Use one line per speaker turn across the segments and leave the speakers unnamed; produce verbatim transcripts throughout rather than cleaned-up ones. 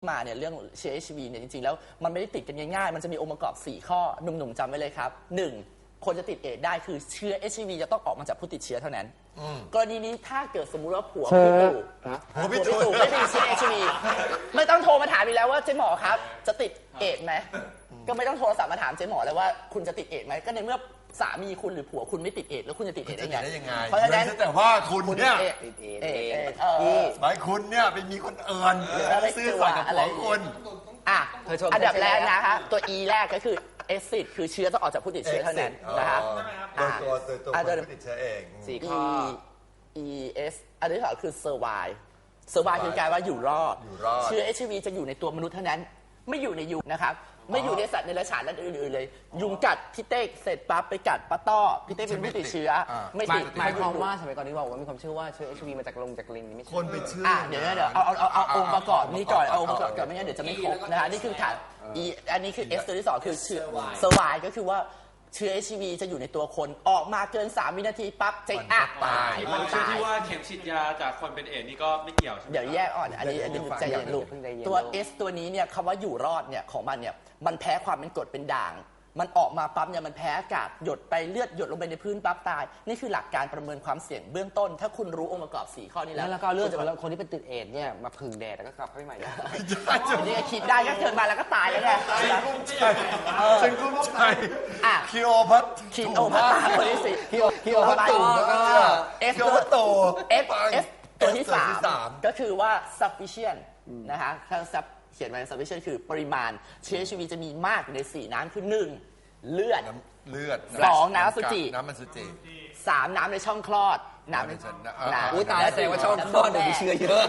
มาเนี่ยเรื่องเชื้อ เอช ไอ วี เนี่ยจริงๆแล้วมันไม่ได้ติดกันง่ายๆมันจะมีองค์ประกอบสี่ข้อหนุ่มๆจำไว้เลยครับหนึ่งคนจะติดเอดส์ได้คือเชื้อ เอช ไอ วี จะต้องออกมาจากผู้ติดเชื้อเท่านั้นกรณีนี้ถ้าเกิดสมมุติว่าผัวพี่ตู่ผัวพี่ตู่ไม่ติดเชื้อ เอช ไอ วี ไม่ต้องโทรมาถามอีกแล้วว่าเจ๊หมอครับจะติดเอดส์ไหมก็ไม่ต้องโทรศัพท์มาถามเจ๊หมอเลยว่าคุณจะติดเอดส์ไหมก็ในเมื่อสามีคุณหรือผัวคุณไม่ติดเอดส์แล้วคุณจะติดเอดส์ได้ไง
เพราะฉะนั้นแต่ว่าคุณเนี่ย
ติดเอดส์
หมายคุณเนี่ยไปมีคนอื่นซื้อสัตย์กับผัวคุณ
อ่ะอันดับแรกนะคะตัว E แรกก็คือเอซิดคือเชื้อจะออกจากผู้ติดเชื้อเท่านั้นนะคะ
โดยตัวโดยตัวผู้ติดเชื้อเอง
สี่ข้อ E S อันที่สองคือ survive survive คือการว่าอยู่รอดเชื้อ เอช ไอ วี จะอยู่ในตัวมนุษย์เท่านั้นไม่อยู่ในยุงนะครับไม่อยู่ในสัตว์ในรัจฉานและอื่นๆเลยยุงกัดพี่เต้เสร็จปั๊บไปกัดป้าต้อพี่เต้เป็นผู้ติดเชื้อไม่ติด
หมายความว่าสมัยก่อนที่บอกว่ามีความเชื่อว่าเชื้อ เอช ไอ วี มาจากลงจากลิงนี่ไม่ใช่
คนไปเชื่อ
เดี๋ยวเดี๋ยวเอาเอาเอาเอาองค์ประกอบนี้ก่อนเอาองค์ประกอบก่อนไม่งั้นเดี๋ยวจะไม่ครบนะคะนี่คือฐานอีอันนี้คือ S ตัวที่สองคือเชื้อ survive ก็คือว่าเชื้อ เอช ไอ วี จะอยู่ในตัวคนออกมาเกินสามวินาทีปั๊บใจอักตาย
มันตายที่ว่าเข็มฉีดยาจากคนเป็นเอดส์นี่ก็ไม่เกี่ยวใช่ไหม
เดี๋ยวแยกอ่อนอันนี้อันนี้ใจเย็นลูกตัว S ตัวนี้เนี่ยคำว่าอยู่รอดเนี่ยของมันเนี่ยมันแพ้ความเป็นกรดเป็นด่างมันออกมาปั๊บเนี่ยมันแพ้อากาศหยดไปเลือดหยดลงไปในพื้นปั๊บตายนี่คือหลักการประเมินความเสี่ยงเบื้องต้นถ้าคุณรู้องค์ประกอบสี่ข้อนี้แล้ว
แล้วก็เลือดจากคนที่เป็นติดเอดส์เนี่ยมาพึ่งแดดแล้วก็กลับเข้าไปใหม่ได้
นี่คิดได้ก็เกิดมาแล้วก็ตายแล้วไง
ฉันกุ้มใจคิโอพัท
คิโอพัตคนที่สี่
คิโอคิโอพัตตูก็
เอฟตัวเอฟเอฟตัวที่สามก็คือว่า sufficient นะคะถ้าเขียนไว้ sufficient คือปริมาณเชื้อ เอช ไอ วี จะมีมากอยู่ในสี่น้ำคือหนึ่งเลือด
เลือด
สองน้ำสุจิ
น้ำมันสุจิ
สามน้ำในช่องคลอดน้ำใน
น้ำอุ้ยตายแล้วแสดงว่าช่องคลอดเดี๋ยวมีเชื้อเยอะ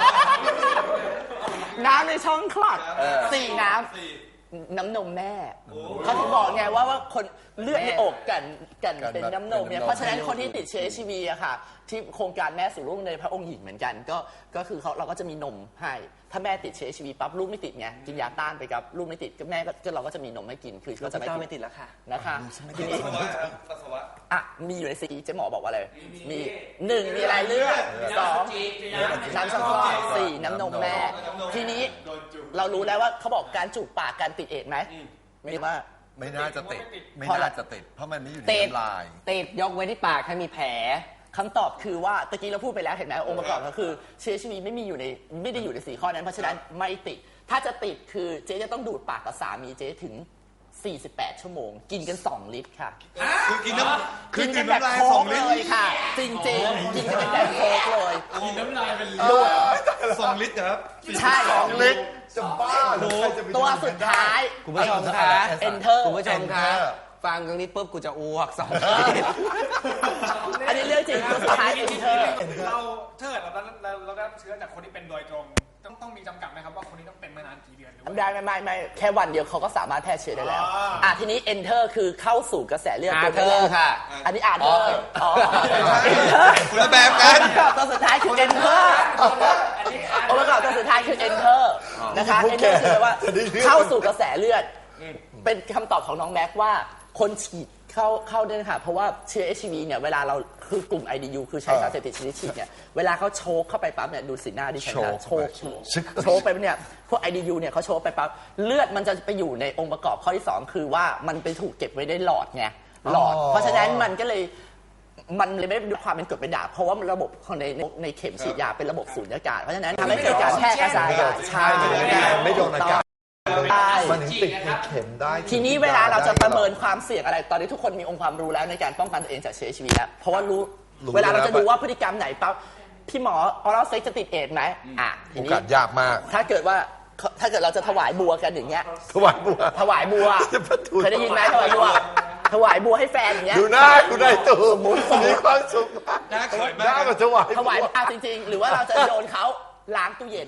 น้ำในช่องคลอดสี่น้ำน้ำนมแม่เขาถึงบอกไงว่าว่าคนเลือดในอกกันกันเป็นน้ำนมเนี่ยเพราะฉะนั้นคนที่ติดเชื้อ เอช ไอ วี อะค่ะที่โครงการแม่สู่ลูกในพระองค์หญิงเหมือนกันก็ก็คือเขาเราก็จะมีนมให้ถ้าแม่ติดเชื้อ เอช ไอ วี ปั๊บลูกไม่ติดไงกินยาต้านไปกับลูกไม่ติดก็แม่ก็เราก็จะมีนมให้กินคือก็จะ
ไม่ติดแล้วค่ะ
นะคะทีนี้อ่ะมีอยู่ในซีเจ๊หมอบอกว่าอะไรมีหนึ่งมีอะไรเลือดสองน้ำช่องคลอดสี่น้ำนมแม่ทีนี้เรารู้แล้วว่าเขาบอกการจูบปากการติดเอดส์ไหมไม่ว่า
ไม่น่าจะติดไม่น่าจะติดเพราะมันไม่อยู่ในน้ำลาย
ติดยกไว้ที่ปากถ้ามีแผล
คำตอบคือว่าตะกี้เราพูดไปแล้วเห็นไหมองค์ประกอบก็คือเชื้อ เอช ไอ วี ไม่มีอยู่ในไม่ได้อยู่ในสี่ข้อนั้นเพราะฉะนั้นไม่ติดถ้าจะติดคือเจ๊จะต้องดูดปากกับสามีเจ๊ถึงสี่สิบแปดชั่วโมงกินกันสองลิตรค่ะ
คือกินน้ำ
กินกันแบบโค้กเลยค่ะจริงๆกินกันเป็นแบบโค้กเลย
กินน้ำลายเป็น
ดูด
สองลิตรครับ
ใช่
สองลิตรจะบ้า
ตัวสุดท้าย
คุณผู้ชมคะ
enter
คุณผู้ชมคะฟังตรงนี้ปุ๊บกูจะอ้วกสอง
อันนี้เรื่องจริงตัวสุดท้าย enter
เราถ้าเกิดเราเราเราได้เชื้อจากคนที่เป็นโดยตรงต้องต้องมีจำกัดไหมครับว่าคนนี้ต้องเป็นมานานกี่เดือนหรือ
ได้ไม่ไม่ไม่แค่วันเดียวเขาก็สามารถแพร่เชื้อได้แล้วอ่ะทีนี้ enter คือเข้าสู่กระแสเลือด
ตัวแรกค่ะ
อันนี้ enter อ๋อ
คนละแบบกัน
ตัวสุดท้ายคือ enter องค์ประกอบตัวสุดท้ายคือ enter นะคะ enter คือว่าเข้าสู่กระแสเลือดเป็นคำตอบของน้องแม็กว่าคนฉีดเข้าเข้าด้วยค่ะเพราะว่าเชื้อ เอช ไอ วี เนี่ยเวลาเราคือกลุ่ม ไอ ดี ยู คือใช้สารเสพติดชนิดฉีดเนี่ยเวลาเขาโชกเข้าไปปั๊บเนี่ยดูสีหน้าดิฉันนะโชกโชกไปเนี่ยพวก ไอ ดี ยู เนี่ยเขาโชกไปปั๊บเลือดมันจะไปอยู่ในองค์ประกอบข้อที่สองคือว่ามันไปถูกเก็บไว้ในหลอดไงหลอดเพราะฉะนั้นมันก็เลยมันเลยไม่ได้ความเป็นกรดเป็นด่างเพราะว่าระบบของในในเข็มฉีดยาเป็นระบบสูญญากาศเพราะฉะนั้นทำให้เกิดการแพร่กระจายใช่
ไม่โดนอากาศมันถึงติดในเข็มได้
ทีนี้เวลาเราจะประเมินความเสี่ยงอะไรตอนนี้ทุกคนมีองค์ความรู้แล้วในการป้องกันตัวเองจากเชื้อ เอช ไอ วี แล้วเพราะว่ารู้เวลาเราจะดูว่าพฤติกรรมไหนปั๊บพี่หมอออรัลเซ็กจะติดเอดส์ไหมอ่ะทีนี้
ยากมาก
ถ้าเกิดว่าถ้าเกิดเราจะถวายบัวกันอย่างเงี้ย
ถวายบัว
ถวายบัวเคยได้ยินไหมถวายบัวถวายบัวให้แฟนอย่างเงี้ย
ดูหน้าดูได้ตัวมีความสุข
น่าเขินมาก
น่าแบบถวาย
ถวายอ่ะจริงๆหรือว่าเราจะโยนเขาล้างตู้เย็น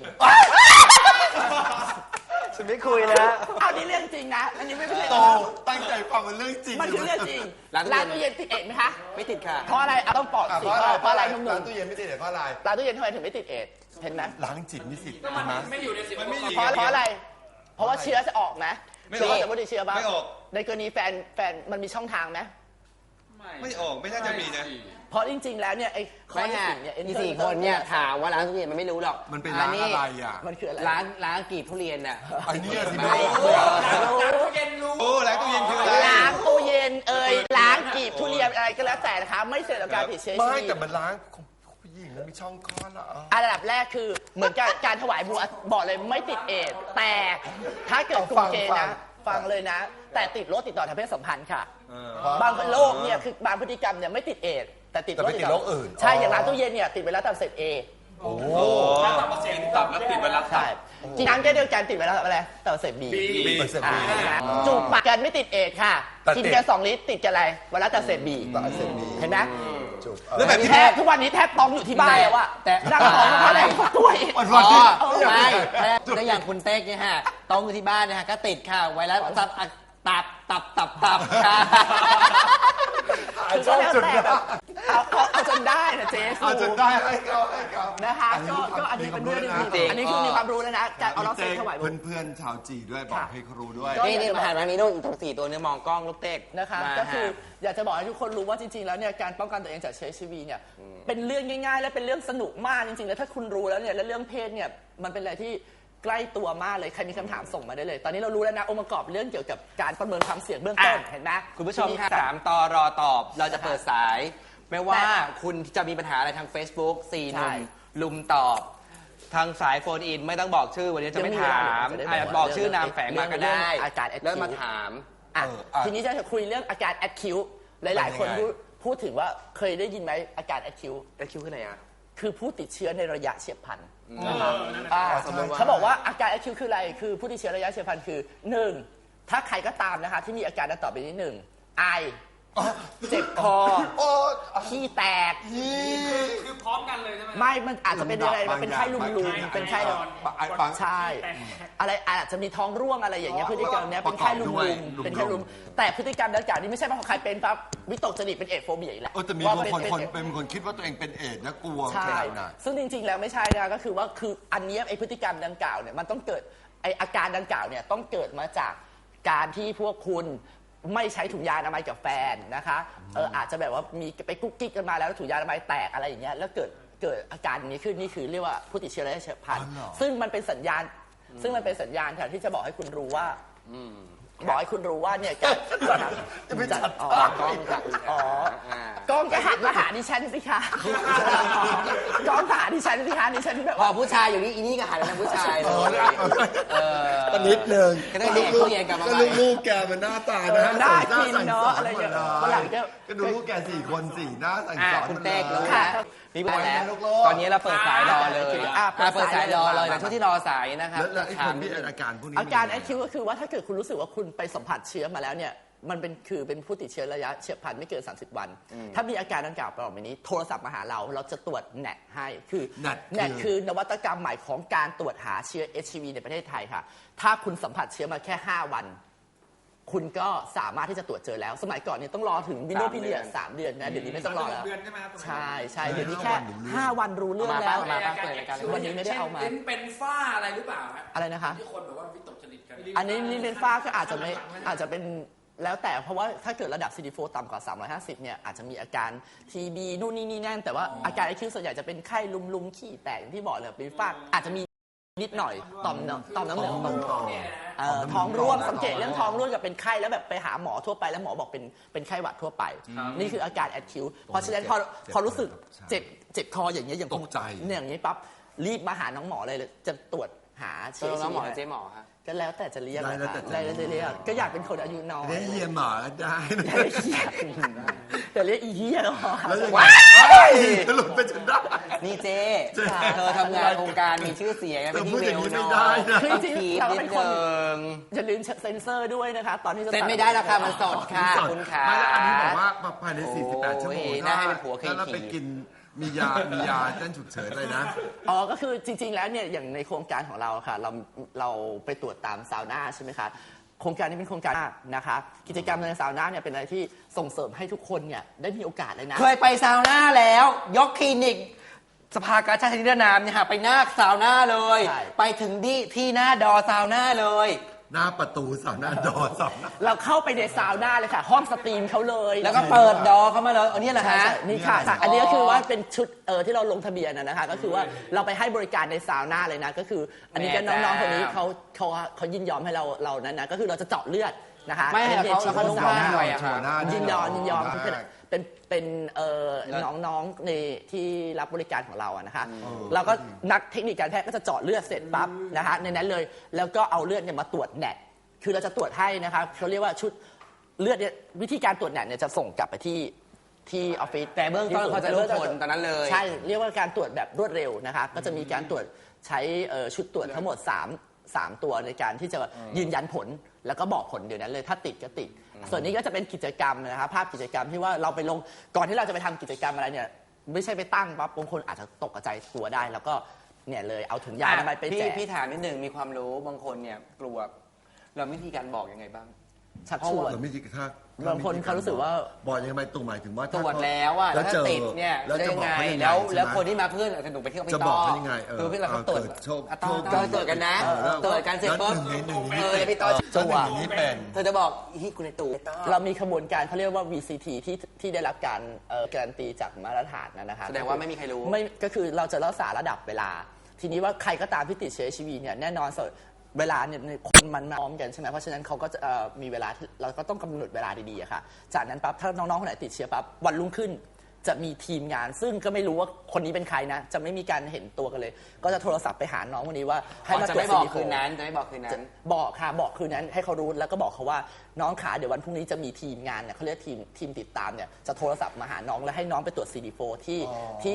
ฉันไม่คุยแล้ว
เอานี่เรื่องจริงนะอันนี้ไม่ใช่
โตตั้งใจฟังมันเรื่องจริง
มันคือเรื่องจริงล้างตู้เย็นติดเอดส์ไหมคะ
ไม่ติดค่ะ
เพราะอะไรต้องปอดสิเพราะอะไรนุ่มๆ
ล้างตู้เย็นไม่ติดเอดส์เพราะอะไร
ล้างตู้เย็นทำไมถึงไม่ติดเอดส์เห็นไหม
ล้างจิตมีสิทธิ์
มันไม่อยู่ในสิทธิ์
เพราะเพราะอะไรเพราะว่าเชื้อจะออกไหมเชื้อจะไม่ได้เชื้อบ้าง
ไม่ออก
ในกรณีแฟนแฟนมันมีช่องทางไหม
ไม่ออกไม่น่าจะมีนะ
เพราะจริง ๆ แล้วเนี่ยไอ้ข้อ
ไม่
ที่
ฮะ
สี่เนี่ย
อีสี่คนเนี่ยถามว่าร้านทุเรียนมันไม่รู้หรอก
มันเป็นร้านอะไรอ่ะ
มันคืออะไร
ร้านร้านกรีบทุเรียนน่ะ
ไอ้เนี่ยสิ
โอ้โอ้ร้านตู้เย็นคืออะไร
ล้างตู้เย็นเอ่ยล้างกีบทุเรียนอะไรก็แล้วแต่นะคะไม่เสี่ยงต่อการติดเชื้อ
ไม่
ชีวิ
แต่
ต
มันล้างของผู้หญิงมันมีช่องคลอดละ
อันดับแรกคือเหมือนกับการถวายบัวบอกเลยไม่ติดเอดส์แต่ถ้าเกิดกลุ่มเกย์นะฟังเลยนะ แต่ติดโรคติดต่อทางเพศสัมพันธ์ค่ะ บางโรคเนี่ยคือบางพฤติกรรมเนี่ยไม่ติดเอดส์แต่ติดโรคติดต่อใช่อย่างร้านตู้เย็นเนี่ยติดไวรัสตับอักเสบเอ
โอ้
ตับอักเสบตับแล้วติดไวรัส
ใช่จริงๆก็เดียวกันติดไวรัสอะไรตับอักเสบบี
บีเสพ
อ่า
บี
นะจูบปากกันไม่ติดเอดส์ค่ะ
แต่ติด
กินกันสองลิตรติดกันอะไรไวรัสตับอักเสบบี
ตับอักเสบบี
เห็นไหม
จุบ
แล้วแบบ
แทบทุกวันนี้แทบต้องอยู่ที่บ้านแล้วอะ
แต่
นั่งท้องเพราะอะไรก็ตัวเอง
วัน
อ๋
วัน
อ
ที่
ไม่แล้วอย่างคุณเต๊กเนี่ยฮะต้องอยู่ที่บ้านเนี่ยฮะก็ติดค่ะไวรัสตับตับตับตับตับค่ะ
คือก็แล้วแต่แบบเอาเอาเอาจนได้นะเจ๊สู
เอาจนได้ให้เขาให้เขา
นะคะก็ก็อันนี้เป็นเรื่องดีๆอันนี้คือมีความรู้แล้วนะการเอาเราเซ็นถวายบุญ
เพื่อนๆชาวจีด้วยบอกให้เขารู้ด้วย
นี่นี่มาหันมานี้นู่นอีกตัวสี่ตัวเนื้อมองกล้องลูกเต๊ก
นะคะ
มา
ก็คือ
ฮะ
อยากจะบอกให้ทุกคนรู้ว่าจริงๆแล้วเนี่ยการป้องกันตัวเองจากเชื้อ เอช ไอ วี เนี่ยเป็นเรื่องง่ายๆ และเป็นเรื่องสนุกมากจริงๆแล้วถ้าคุณรู้แล้วเนี่ยและเรื่องเพศเนี่ยมันเป็นอะไรที่ใกล้ตัวมากเลยใครมีคำถามส่งมาได้เลย ตอนนี้เรารู้แล้วนะองค์ประกอบเรื่องเกี่ยวกับการประเมินความเสี่ยงเบื้องต้นเห็นไหม
คุณผู้ชมค่ะสามต่อรอตอบเราจะเปิดสาย ไม่ว่าคุณจะมีปัญหาอะไรทาง Facebook สี่หนุ่มลุมตอบ ทางสายโฟนอินไม่ต้องบอกชื่อวันนี้จะไม่ถามอาจจะบอกชื่อนามแฝงมาก็ได้
อาการ
แล้วมาถาม
อ่ะ
เอออ่ะ
ทีนี้จะคุยเรื่องอาการแอดคิวหลายๆ คน
เป็นยังไง
พูดพูดถึงว่าเคยได้ยินไหมอาการแอดคิว
แล้วคิวขึ้นไหนอ่ะ
คือผู้ติดเชื้อในระยะเฉียบพลัน
เอ
นะครับ
อนั่น
อ่า
น่ะ
สมมุติว่า
เขาบอกว่าอาการแอดคิวคืออะไรคือผู้ติดเชื้อระยะเฉียบพลันคือหนึ่งถ้าใครก็ตามนะคะที่มีอาการดังต่อไปนี้หนึ่งไอเจ็บคอ
โอ้
ขี้แตก
คือพร้อมกันเลยใช่ไหม
ไม่มันอาจจะเป็นอะไรมันเป็นไข้ลุมลุมเป็นไข้แบบ
ฟัง
ใช่ อะไรอาจจะมีท้องร่วงอะไรอย่างเงี้ยพฤติกรรมเนี้ยเป็นไข้ลุม
ประกอบด้
ลุ
วย
มเป็นไข้ลุมแต่พฤติกรรมดังกล่าวนี้ไม่ใช่ว่าของใครเป็นปั๊บวิตกจริตเป็นเอดส์โฟเบียอีกแหละ
เออแต่มี
ว่า
บาง
เป็
คน
เป็
คน
เอดส์
เป็นคนคิดว่าตัวเองเป็นเอดส์นะกลัว
ใช่
ขนาดนั้น
ซึ่งจริงๆ แล้วไม่ใช่นะก็คือว่าคืออันเนี้ยไอพฤติกรรมดังกล่าวเนี่ยมันต้องเกิดไออาการดังกล่าวเนี่ยต้องเกิดมาจากการที่พวกคุณไม่ใช้ถุงยางอนามัยกับแฟนนะคะเอออาจจะแบบว่ามีไปกุ๊กกิ๊กกันมาแล้วถุงยางอนามัยแตกอะไรอย่างเงี้ยแล้วเกิดเกิดอาการนี้ขึ้นนี่คือเรียกว่าผู้ติดเชื้อระยะเฉียบพลัน
อ๋อเหรอ
ซึ่งมันเป็นสัญญาณ ซึ่งมันเป็นสัญญาณค่ะที่จะบอกให้คุณรู้ว่าบอกให้คุณรู้ว่าเนี่ยการ
จะไปจัด
อ๋อ
กล้องจาก
อ๋อ
อ่าก
ล้องก็หันมาหาดิฉันสิคะกล้องหาดิฉันสิคะดิฉันแบบ
พอ
ว่า
ผู้ชายอยู่นี่อีนี่ก็หันไปทางผู้ชายเล
เออย
เออ
ตอนนิดนึง
ก็ต้องแดกตู้เย็นกลับมาใหม่
ก็ลูกๆแกมันหน้าตานะ
น่า
ส
กินเนาะ
สั่งส
อะไร
หม
เงี้
ด
ย
เล
วันหลังก็
ก็ดูลูกแกสี่คนสี่หน้าสั่ง
อ่ะ
สอน
คุณ
หมด
เต๊ก
เล
รู้
ย
แล้วมีปัญหาแล้ว
ลูกๆ
ตอนนี้เราเปิดสายรอเลย
อ่ะ
อ่ะเปิดสายรอเลย
มา
แต่ช่วงที่รอสายนะครับ
แล้วแล้วไอ้คนที่
ถาม
อาการพวกนี้
อาการแอ
มัน
คคิวก็คือว่าถ้าเกิดคุณรู้สึกว่าคุณไปสัมผัสเชื้อมาแล้วเนี่ยมันเป็นคือเป็นผู้ติดเชื้อระยะเฉียบพลันไม่เกิน สามสิบ วัน ถ้ามีอาการดังกล่าวต่อไปนี้โทรศัพท์มาหาเราเราจะตรวจแนทให้คือ
แนท
แนทคือนวัตกรรมใหม่ของการตรวจหาเชื้อ เอช ไอ วี ในประเทศไทยค่ะถ้าคุณสัมผัสเชื้อมาแค่ ห้า วัน คุณก็สามารถที่จะตรวจเจอแล้ว สมัยก่อนเนี่ยต้องรอถึงวินโดว์พีเรียดสามเดือนนะเดี๋ยวนี้ไม่ต้องรอแล้ว
เดือนใช่ไหมครับ
ใช่ใช่เดี๋ยวนี้แค่ห้าวันรู้เรื่อง
มา
แล้
ป้าว
ว
มาป้าเปิดรายการ
วันนี้ไม่ได้เอามา
ช่นเป็นฝ้าอะไรหรือเปล่าฮะ
อะไรนะคะ
ที่คนแบบว่าวิตกจริตกัน
อันนี้นี่เป็นฝ้าก็อาจจะไม่อาจจะเป็นแล้วแต่เพราะว่าถ้าเกิดระดับ ซี ดี โฟร์ ต่ำกว่า สามร้อยห้าสิบ เนี่ยอาจจะมีอาการ ที บี นู่นนี่นี่นั่นแต่ว่าอาการไอคิวส่วนใหญ่จะเป็นไข้ลุมๆขี้แตกอย่างที่บอกเลยเป็นฝ้าอาจจะมีนิดหน่อยต่อมน้ำต่อมน้ำเหลืองตรงเอ่อท้องร่วงสังเกตเรื่องท้องร่วงกับเป็นไข้แล้วแบบไปหาหมอทั่วไปแล้วหมอบอกเป็นเป็นไข้หวัดทั่วไป นี่คืออาการแอดคิวเพราะฉะนั้นพอพอรู้สึกเจ็บเจ็บคออย่างเงี้ยอย่าง
ตกใจ
เนี่ยอย่างนี้ปั๊บรีบมาหาน้องหมอเลยจะตรวจหา
เจ
เชื้
อ
อ
แล้วหมอ
ชีวิต
เจ๊หมอครับ
ก็แล้วแต่จะเรียก
ได้แล้วแต่จะ
ได้แล้วจะเรียกก็อยากเป็นคนอายุน้อย
ได้เฮียหมาได้นะ
อย่าเรียกเฮียแต่เรียกอีเฮียก็พอ
แล้วยังไง
ว้าย
หลุดไปจนได้
นี่เจ๊
เจ๊
เธอทำงานองค์การมีชื่อเสียงนะเป็นที่
เธอพูด
เว
อย่างนี้
ล
ไม่
เนา
ได้นะ
ต้องคีบนิดนึง
อย่าลืมเซ็นเซอร์ด้วยนะคะ ตอนที่จะ
เซ็นไม่ได้ราคามันสดค่ะ
สด
คุณขา
ไม่แล้วอันนี้บอกว่าภายใน สี่สิบแปด
โอ้ย
ชั่วโมง
น่าให้เป็นผัวเคย
ถ้าเราไป
ขี่
กินมียา มียาเต้นฉุกเฉินเลยนะ
อ๋อก็คือจริง ๆ แล้วเนี่ยอย่างในโครงการของเราค่ะเราเราไปตรวจตามซาวน่าใช่ไหมคะโครงการนี้เป็นโครงการนะคะกิจกรรมในซาวน่าเนี่ยเป็นอะไรที่ส่งเสริมให้ทุกคนเนี่ยได้มีโอกาสเลยนะ
เคยไปซาวน่าแล้ว ยกคลินิก สภากาชาตินิรนามเนี่ยฮะไปหน้าซาวน่าเลย
ใช่
ไปถึงที่ที่หน้าดอซาวน่าเลย
หน้าประตูสาวหน้าดอสาวหน้า
เราเข้าไปในซาวน่าเลยค่ะ ห้องสตรีมเขาเลย
แล้วก็เปิดดอเข้ามาเลยอันนี้แหละ
ใช่
ฮะ
ใช่นี่ค่ะค่ะ อันนี้ก็คือว่าเป็นชุดเออที่เราลงทะเบียนนะนะคะก็คือว่าเราไปให้บริการในซาวน่าเลยนะก็คือ อันนี้ก็น้องๆคนนี้เขาเขาเขายินยอมให้เราเรานั้นนะก็คือเราจะเจาะเลือดนะคะ
ไม่ให้เขาแล้วเขานุ่งผ้าหน่อยอะ
โชว์หน้า
ยินยอมยินยอม
โชว์ห
เป็น
น้า
เป็นเป็นเอ่อน้องๆในที่รับบริการของเราอะนะคะเราก็นักเทคนิคการแพทย์ก็จะเจาะเลือดเสร็จปั๊บนะคะในนั้นเลยแล้วก็เอาเลือดเนี่ยมาตรวจแนทคือเราจะตรวจให้นะคะเขาเรียกว่าชุดเลือดเนี่ยวิธีการตรวจแนทเนี่ยจะส่งกลับไปที่ที่ออฟฟิศ
แต่เบื้องต้นเขาจะรู้ผลตอนนั้นเลย
ใช่เรียกว่าการตรวจแบบรวดเร็วนะคะก็จะมีการตรวจใช้เอ่อชุดตรวจทั้งหมดสามสามตัวในการที่จะยืนยันผลแล้วก็บอกผลเดี๋ยวนั้นเลยถ้าติดก็ติด ส่วนนี้ก็จะเป็นกิจกรรมนะครับภาพกิจกรรมที่ว่าเราไปลงก่อนที่เราจะไปทำกิจกรรมอะไรเนี่ยไม่ใช่ไปตั้งปั๊บบางคนอาจจะตกใจตัวได้ แล้วก็เนี่ยเลยเอาถุงยางอนามัยไปแจ
พี่
ก
พี่ถามนิดหนึ่งมีความรู้บางคนเนี่ยกลัวเราวิธีการบอกยังไงบ้าง
ชักชวน
เราไม่คิดถ้า
บางคนเขารู้สึกว่า
บอกยังไงตรงหมายถึงว่า
ตรวจแล้วอะแล้วถ้า
เจอ
ติดเนี่ย
แล้ว
จะ
จะ
ยัง
บอก
ไง
เขายังไง
แล้วแล้ว
ใช่ไหม
คนที่มาเพื่อนอาจจะหนูไปเที่ยวพี่
จะ
ต่
บอก
อ
เขายังไงเออ
คือพี่เราเขาตรวจ
เกิดโชค
อ่ะต่อ
โชค
ต่อ
ดี
ตรวจกันนะ
เออแล้ว
ตรวจกันเสร็จปุ๊บ
แล้วหนึ่งในหนึ่งในนี้
เออพี่ต่อ
จังหวะ
อย่างนี้เป็น
เธอจะบอกฮิคุณในตู่
เรามีขบวนการเขาเรียกว่า วี ซี ที ที่ที่ได้รับการเอ่อการันตีจากมาตรฐานนะนะคะ
แสดงว่าไม่มีใครรู้
ไม่ก็คือเราจะรักษาระดับเวลา ทีนี้ว่าใครก็ตามที่ติดเชื้อ เอช ไอ วี เนี่ยแน่นอนสเวลาเนี่ยคนมันมาพร้อมกันใช่ไหมเพราะฉะนั้นเขาก็จะเอ่อมีเวลาที่เราก็ต้องกำหนดเวลาดีๆอะค่ะจากนั้นปั๊บถ้าน้องๆคนไหนติดเชื้อปั๊บวันรุ่งขึ้นจะมีทีมงาน ซึ่งก็ไม่รู้ว่าคนนี้เป็นใครนะจะไม่มีการเห็นตัวกันเลย ก็จะโทรศัพท์ไปหาน้องคนนี้ว่าให้มา
จะ
ตรวจ
ไม่บอก
ซิลิโ
คืนนั้นจะไม่บอกคืนนั้น
บอกค่ะบอกคืนนั้นให้เขารู้แล้วก็บอกเขาว่าน้องขาเดี๋ยววันพรุ่งนี้จะมีทีมงานเนี่ยเขาเรียกทีมทีมติดตามเนี่ยจะโทรศัพท์มาหาน้องแล้วให้น้องไปตรวจ ซี ดี โฟร์ ที่ที่